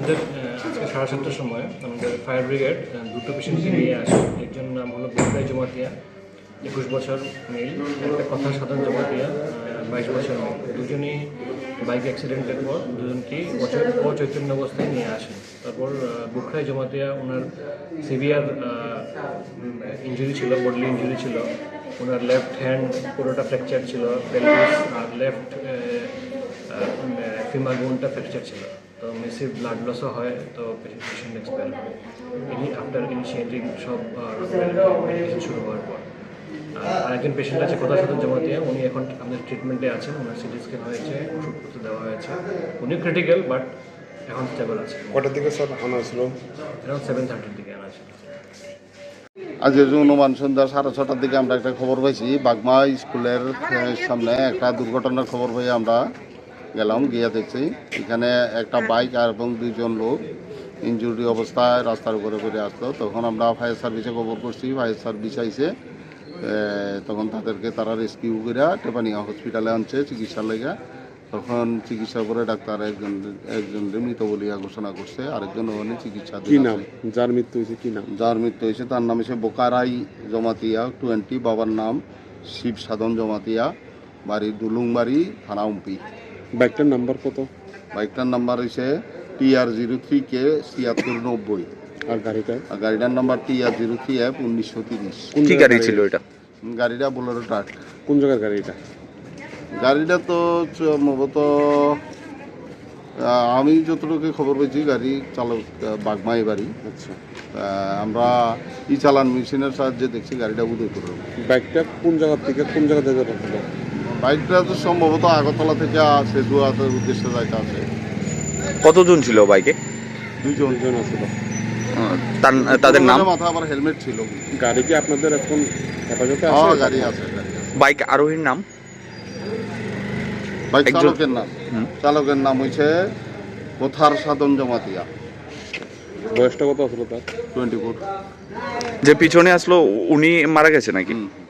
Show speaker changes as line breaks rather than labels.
আমাদের আজকে 7:30টার সময় আমাদের ফায়ার ব্রিগেড দুটো পেশেন্টকে নিয়ে আসে। একজন নাম হলো বুকরাই জমাতিয়া, 21 বছর মেল, একটা কথা সাধারণ জমাতিয়া, 22 বছর মেল। দুজনই বাইক অ্যাক্সিডেন্টের পর দুজনকেই অচৈতন্য অবস্থায় নিয়ে আসেন। তারপর বুকরাই জমাতিয়া ওনার সিভিয়ার ইঞ্জুরি ছিল, বডলি ইঞ্জুরি ছিল। ওনার লেফট হ্যান্ড পুরোটা ফ্র্যাকচার ছিল, পেলভিস আর লেফট ফিমার বোনটা ফ্র্যাকচার ছিল। তো মেসিভ ব্লাড লসও হয়, তো পেশেন্ট এক্সপায়ার হয় আফটার ইনিশিয়েটিং সব মেডিকেশন শুরু হওয়ার পর। আর একজন পেশেন্ট আছে কথা সাথে জমাতিয়া, উনি এখন আমাদের ট্রিটমেন্টে আছেন। ওনার সিটি স্ক্যান হয়েছে, ওষুধপত্র দেওয়া হয়েছে। উনি ক্রিটিক্যাল বাট এখন স্টেবল আছে।
কটার দিকে স্যার আনা ছিল?
এখন 7:30 দিকে আনা ছিল।
আজ অনুমান সন্ধ্যা 6:30টার দিকে আমরা একটা খবর পাইছি, বাগমা স্কুলের সামনে একটা দুর্ঘটনার খবর পেয়ে আমরা গেলাম, গিয়ে দেখছি এখানে একটা বাইক আর এবং 2জন লোক ইনজুরি অবস্থায় রাস্তার উপরে পড়ে আসলো। তখন আমরা ফায়ার সার্ভিসে খবর করছি, ফায়ার সার্ভিস আইসে, তখন তারা রেস্কিউ করে টেপানিয়া হসপিটালে আনছে চিকিৎসার লেগে। তখন চিকিৎসা করে ডাক্তার একজন মৃত বলিয়া ঘোষণা করছে, আরেকজন ওখানে চিকিৎসা।
কি নাম যার মৃত্যু হয়েছে? কি নাম
যার মৃত্যু হয়েছে তার নাম হচ্ছে বোকারাই জমাতিয়া 20, বাবার নাম শিব সাধন জমাতিয়া, বাড়ি দুলুংবাড়ি, থানা উম্পি।
বাইকটার নাম্বার কত?
বাইকটার নাম্বার হয়েছে TR03K 7690।
আর
গাড়িটার নাম্বার TR03F 1930।
কি গাড়ি ছিল এটা?
গাড়িটা বোলেরো ট্রাক।
কোন জায়গার গাড়ি এটা?
গাড়িটা তো সম্ভবত আমি যতটুকু খবর পেয়েছি গাড়ি চালক বাগমাই বাড়ি।
আচ্ছা,
আমরা চালান মেশিনের সাহায্যে দেখছি গাড়িটা উদয়পুর।
বাইকটা কোন জায়গা থেকে কোন জায়গা থেকে যাচ্ছিল?
বাইকটা তো সম্ভবত আগরতলা থেকে সেতুয়াতের উদ্দেশ্যে যাইতে আছে।
কতজন ছিল বাইকে?
2জন
আছিল।
তাদের নাম?
মাথা আবার হেলমেট ছিল।
গাড়ি কি আপনাদের এখন হেফাজতে আছে?
গাড়ি আছে।
বাইক আরোহীর নাম?
বাইক চালকের নাম হয়েছে কোথার সাধন জমাতিয়া।
বয়সটা কত আসলো তার?
24।
যে পিছনে আসলো উনি মারা গেছে নাকি?